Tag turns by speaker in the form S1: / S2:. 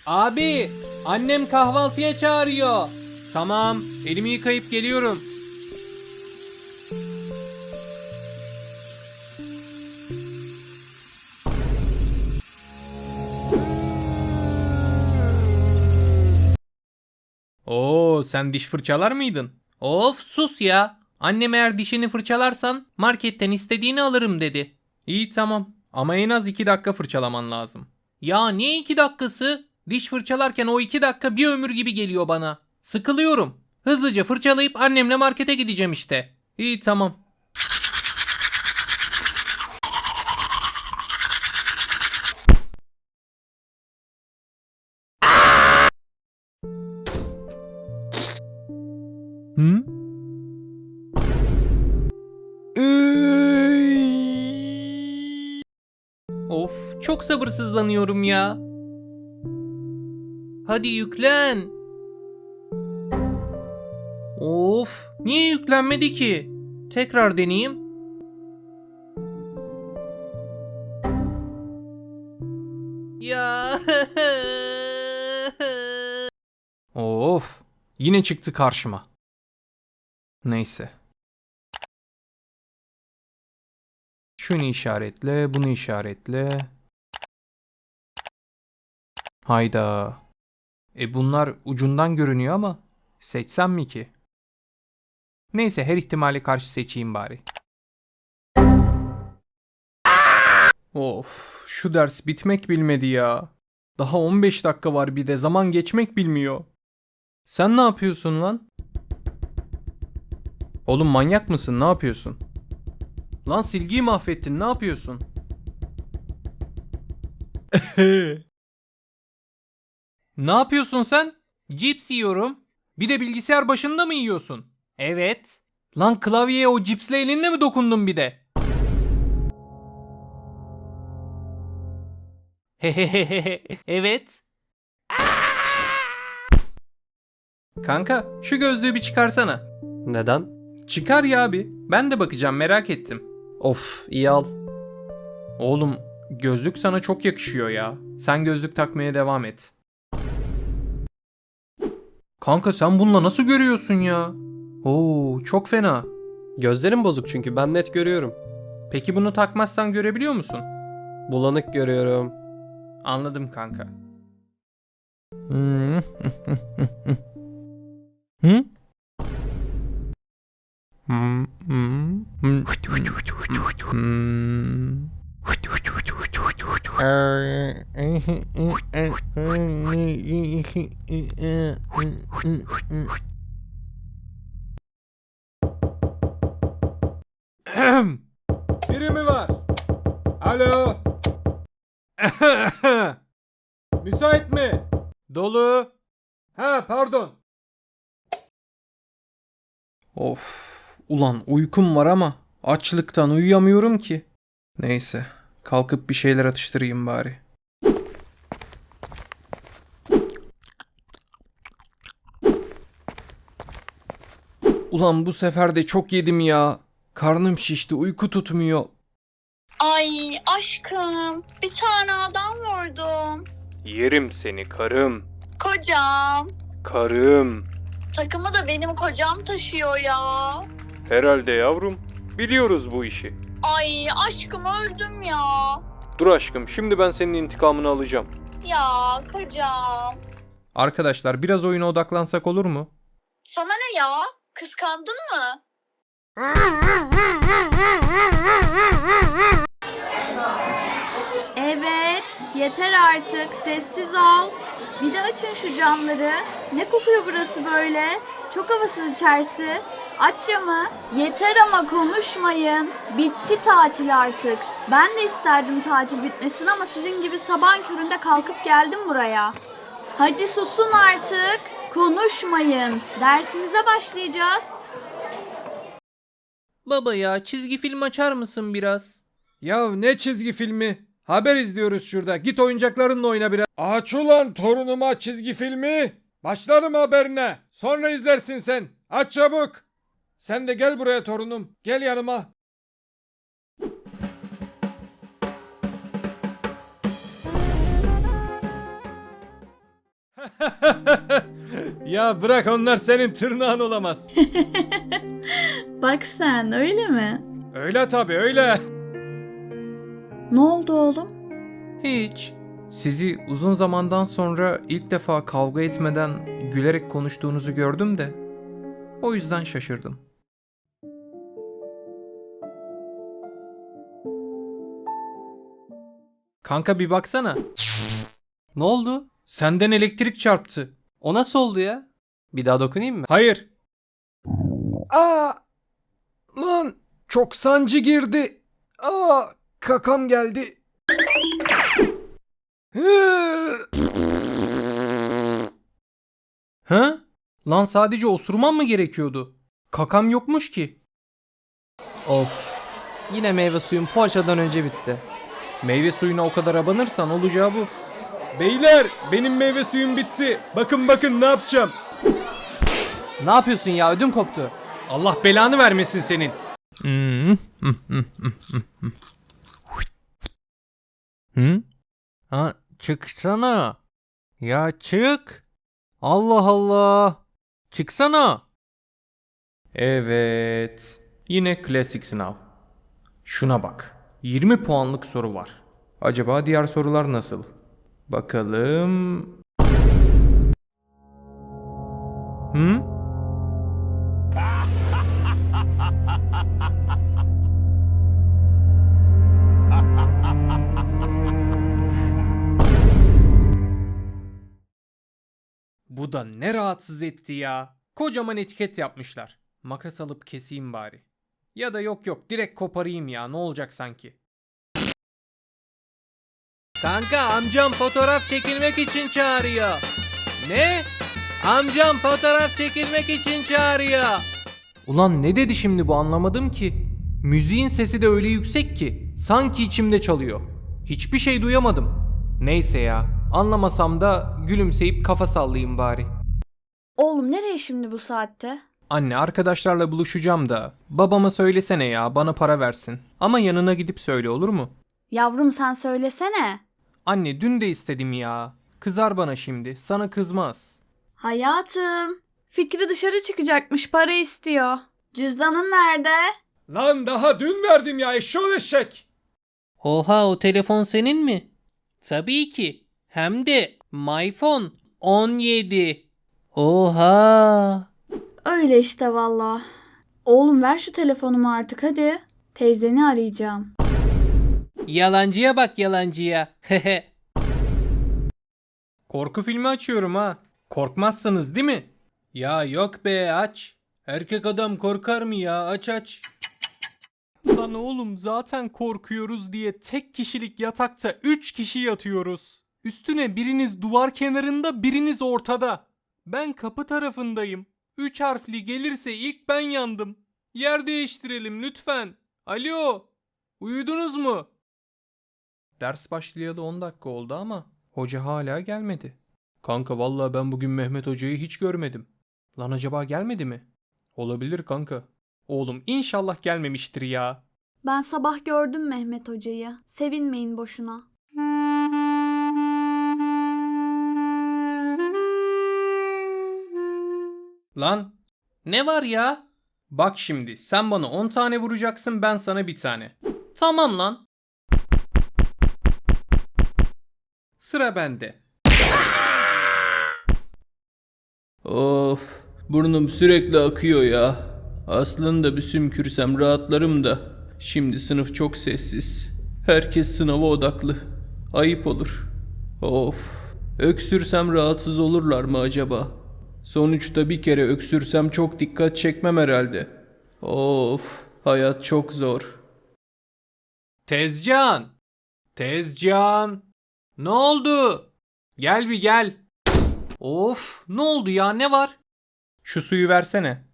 S1: Abi, annem kahvaltıya çağırıyor. Tamam, elimi yıkayıp geliyorum. Oo, sen diş fırçalar mıydın? Of, sus ya. Annem eğer dişini fırçalarsan marketten istediğini alırım dedi. İyi tamam ama en az 2 dakika fırçalaman lazım. Ya niye 2 dakikası? Diş fırçalarken o 2 dakika bir ömür gibi geliyor bana. Sıkılıyorum. Hızlıca fırçalayıp annemle markete gideceğim işte. İyi tamam. Hı? Of, çok sabırsızlanıyorum ya. Hadi yüklen. Of, niye yüklenmedi ki? Tekrar deneyeyim. Ya. Of, yine çıktı karşıma. Neyse. Şunu işaretle, bunu işaretle. Hayda. Bunlar ucundan görünüyor ama seçsem mi ki? Neyse her ihtimale karşı seçeyim bari. Of, şu ders bitmek bilmedi ya. Daha 15 dakika var bir de zaman geçmek bilmiyor. Sen ne yapıyorsun lan? Oğlum manyak mısın? Ne yapıyorsun? Lan silgiyi mahvettin. Ne yapıyorsun? Ne yapıyorsun sen? Cips yiyorum. Bir de bilgisayar başında mı yiyorsun? Evet. Lan klavyeye o cipsle elinle mi dokundun bir de? Hehehehe. Evet. Kanka şu gözlüğü bir çıkarsana.
S2: Neden?
S1: Çıkar ya abi. Ben de bakacağım merak ettim.
S2: Of, iyi al.
S1: Oğlum gözlük sana çok yakışıyor ya. Sen gözlük takmaya devam et. Kanka sen bununla nasıl görüyorsun ya? Oo çok fena.
S2: Gözlerim bozuk çünkü ben net görüyorum.
S1: Peki bunu takmazsan görebiliyor musun?
S2: Bulanık görüyorum.
S1: Anladım kanka. Hı? Biri mi var? Alo? Müsait mi? Dolu. Ha pardon. Of. Ulan uykum var ama açlıktan uyuyamıyorum ki. Neyse. Kalkıp bir şeyler atıştırayım bari. Ulan bu sefer de çok yedim ya. Karnım şişti, uyku tutmuyor.
S3: Ay aşkım, bir tane adam vurdum.
S1: Yerim seni karım.
S3: Kocam.
S1: Karım.
S3: Takımı da benim kocam taşıyor ya.
S1: Herhalde yavrum. Biliyoruz bu işi.
S3: Ay aşkım öldüm ya.
S1: Dur aşkım, şimdi ben senin intikamını alacağım.
S3: Ya kocam.
S1: Arkadaşlar biraz oyuna odaklansak olur mu?
S3: Sana ne ya? Kıskandın mı?
S4: Evet, yeter artık. Sessiz ol. Bir de açın şu camları. Ne kokuyor burası böyle? Çok havasız içerisi. Aç camı. Yeter ama konuşmayın. Bitti tatil artık. Ben de isterdim tatil bitmesin ama sizin gibi sabahın köründe kalkıp geldim buraya. Hadi susun artık. Konuşmayın. Dersimize başlayacağız.
S1: Baba ya çizgi film açar mısın biraz?
S5: Ya ne çizgi filmi? Haber izliyoruz şurada. Git oyuncaklarınla oyna biraz. Aç ulan torunuma çizgi filmi. Başlarım haberine. Sonra izlersin sen. Aç çabuk. Sen de gel buraya torunum. Gel yanıma. Ya bırak, onlar senin tırnağın olamaz.
S4: Bak sen, öyle mi?
S5: Öyle tabii, öyle.
S4: Ne oldu oğlum?
S1: Hiç. Sizi uzun zamandan sonra ilk defa kavga etmeden gülerek konuştuğunuzu gördüm de o yüzden şaşırdım. Kanka bir baksana.
S2: Ne oldu?
S1: Senden elektrik çarptı.
S2: O nasıl oldu ya? Bir daha dokunayım mı?
S5: Hayır. Aa! Lan çok sancı girdi. Aa! Kakam geldi.
S1: Ha? Lan sadece osurman mı gerekiyordu? Kakam yokmuş ki.
S2: Of. Yine meyve suyum poğaçadan önce bitti.
S1: Meyve suyuna o kadar abanırsan olacağı bu.
S5: Beyler, benim meyve suyum bitti. Bakın bakın ne yapacağım.
S2: Ne yapıyorsun ya? Ödüm koptu.
S5: Allah belanı vermesin senin.
S1: Hı? Ha, çıksana. Ya çık. Allah Allah. Çıksana. Evet. Yine klasik sınav. Şuna bak. 20 puanlık soru var. Acaba diğer sorular nasıl? Bakalım. Hı? Bu da ne rahatsız etti ya. Kocaman etiket yapmışlar. Makas alıp keseyim bari. Ya da yok direkt koparayım ya, ne olacak sanki. Kanka amcam fotoğraf çekilmek için çağırıyor. Ne? Amcam fotoğraf çekilmek için çağırıyor. Ulan ne dedi şimdi bu, anlamadım ki. Müziğin sesi de öyle yüksek ki sanki içimde çalıyor. Hiçbir şey duyamadım. Neyse ya, anlamasam da gülümseyip kafa sallayayım bari.
S4: Oğlum nereye şimdi bu saatte?
S1: Anne, arkadaşlarla buluşacağım da babama söylesene ya, bana para versin. Ama yanına gidip söyle, olur mu?
S4: Yavrum sen söylesene.
S1: Anne dün de istedim ya. Kızar bana şimdi, sana kızmaz.
S4: Hayatım. Fikri dışarı çıkacakmış, para istiyor. Cüzdanın nerede?
S5: Lan daha dün verdim ya, eşşoğlu eşek.
S1: Oha, o telefon senin mi? Tabii ki. Hem de MyPhone 17. Oha.
S4: Öyle işte valla. Oğlum ver şu telefonumu artık hadi. Teyzeni arayacağım.
S1: Yalancıya bak, yalancıya. Korku filmi açıyorum ha. Korkmazsınız değil mi? Ya yok be, aç. Erkek adam korkar mı ya? Aç. Lan oğlum, zaten korkuyoruz diye tek kişilik yatakta 3 kişi yatıyoruz. Üstüne biriniz duvar kenarında, biriniz ortada. Ben kapı tarafındayım. 3 harfli gelirse ilk ben yandım. Yer değiştirelim lütfen. Alo. Uyudunuz mu? Ders başlayalı 10 dakika oldu ama hoca hala gelmedi. Kanka vallahi ben bugün Mehmet hocayı hiç görmedim. Lan acaba gelmedi mi? Olabilir kanka. Oğlum inşallah gelmemiştir ya.
S4: Ben sabah gördüm Mehmet hocayı. Sevinmeyin boşuna.
S1: Lan ne var ya? Bak şimdi sen bana 10 tane vuracaksın, ben sana bir tane. Tamam lan. Sıra bende. Of, burnum sürekli akıyor ya. Aslında bir sümkürsem rahatlarım da. Şimdi sınıf çok sessiz. Herkes sınava odaklı. Ayıp olur. Of, öksürsem rahatsız olurlar mı acaba? Sonuçta bir kere öksürsem çok dikkat çekmem herhalde. Of, hayat çok zor. Tezcan! Tezcan! Ne oldu? Gel bir gel. Of, ne oldu ya, ne var? Şu suyu versene.